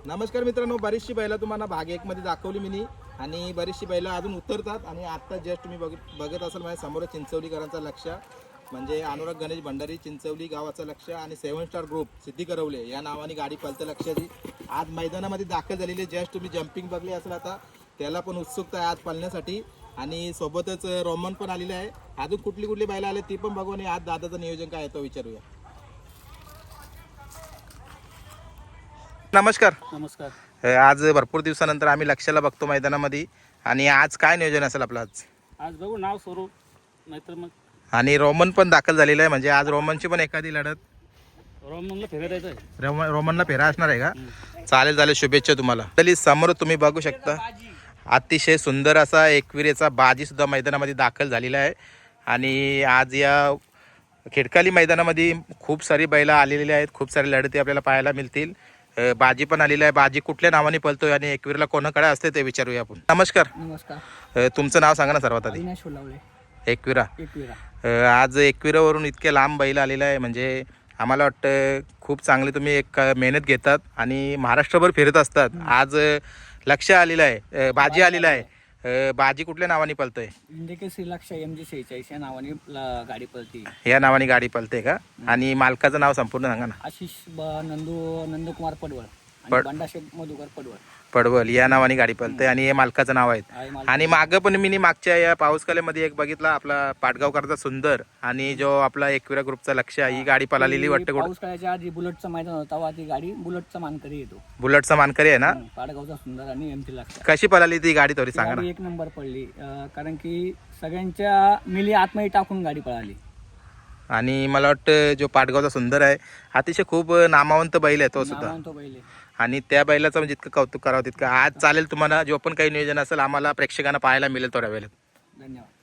नमस्कार मित्रांनो, बरीचशी बैलं तुम्हाला भाग 1 मध्ये दाखवली मी आणि बरीचशी बैलं अजून उतरतात आणि आता जस्ट तुम्ही बघत असाल माझ्या समोर चिंचवलीकरांचा लक्ष म्हणजे अनुराग गणेश भंडारी चिंचवली गावाचं लक्ष आणि 7 स्टार ग्रुप सिद्धी करवले या नावाने गाडी पळतं लक्षाची आज मैदानामध्ये दाखल झालेली जस्ट तुम्ही जम्पिंग बघली असेल आता त्याला पण उत्सुकता आहे आज पळण्यासाठी आणि सोबतच रोमन पण आलेले आहे। अजून कुठली बैलं आले ती पण बघू आणि आज दादाचं नियोजन काय आहे तो विचारूया। नमस्कार। नमस्कार। आज भरपूर दिवसानंतर आम्ही लक्षाला बघतो मैदानामध्ये आणि आज काय नियोजन असेल आपलं आज बघू नाव स्वरूप नाहीतर मग आणि रोमन पण दाखल झालेला आहे म्हणजे आज रोमनची पण एखादी लढत रोमनला फेरा द्यायचा आहे। रोमनला फेरा असणार आहे का? चालेल शुभेच्छा तुम्हाला। तरी समोर तुम्ही बघू शकता अतिशय सुंदर असा एकविरेचा बाजी सुद्धा मैदानामध्ये दाखल झालेला आहे आणि आज या खेडकाली मैदानामध्ये खूप सारी बैला आलेली आहेत, खूप सारी लढती आपल्याला पाहायला मिळतील। बाजी पण आलेली आहे। बाजी कुठल्या नावाने पळतोय आणि एकवीरला कोणाकडे असते ते विचारूया आपण। नमस्कार। नमस्कार। तुमचं नाव सांगा ना सर्वात आधी। एकविरा। आज एकविरावरून इतके लांब बैल आलेला आहे म्हणजे आम्हाला वाटतं खूप चांगले तुम्ही एक मेहनत घेतात आणि महाराष्ट्रभर फिरत असतात। आज लक्ष आलेलं आहे, बाजी आलेला आहे। बाजी कुठल्या नावाने पळतोय? इंडिकेसी लक्ष MG46 या नावाने गाडी पळते। या नावाने गाडी पळते का? आणि मालकाचं नाव संपूर्ण सांगा ना। आशिष नंदकुमार पडवळ आणि बंडाशेठ मधुकर पडवल या नावाने गाडी पळते आणि हे मालकाचं नाव आहे। आणि मागं पण मी मागच्या या पाऊसकाल्यामध्ये एक बघितला आपला पाटगावकरचा सुंदर आणि जो आपला एकविरा ग्रुपचा लक्ष ही गाडी पळालेली वाटतं। पाऊसकाळ्याच्या आधी बुलेटचा मैदान होता तेव्हा ती गाडी बुलेटचा मानकरी येतो। बुलेटचा मानकरी आहे ना? पाटगावचा सुंदर आणि MT लक्ष। कशी पळाली ती गाडी थोडी सांगा ना। एक नंबर पडली कारण की सगळ्यांच्या मिली आतमध्ये टाकून गाडी पळाली आणि मला वाटतं जो पाटगावचा सुंदर आहे अतिशय खूप नामवंत बैल आहे तो सुद्धा आणि त्या बैलाचं म्हणजे जितकं कौतुक करावं तितकं आज चालेल। तुम्हाला जो पण काही नियोजन असेल आम्हाला प्रेक्षकांना पाहायला मिळेल थोड्या वेळेत। धन्यवाद।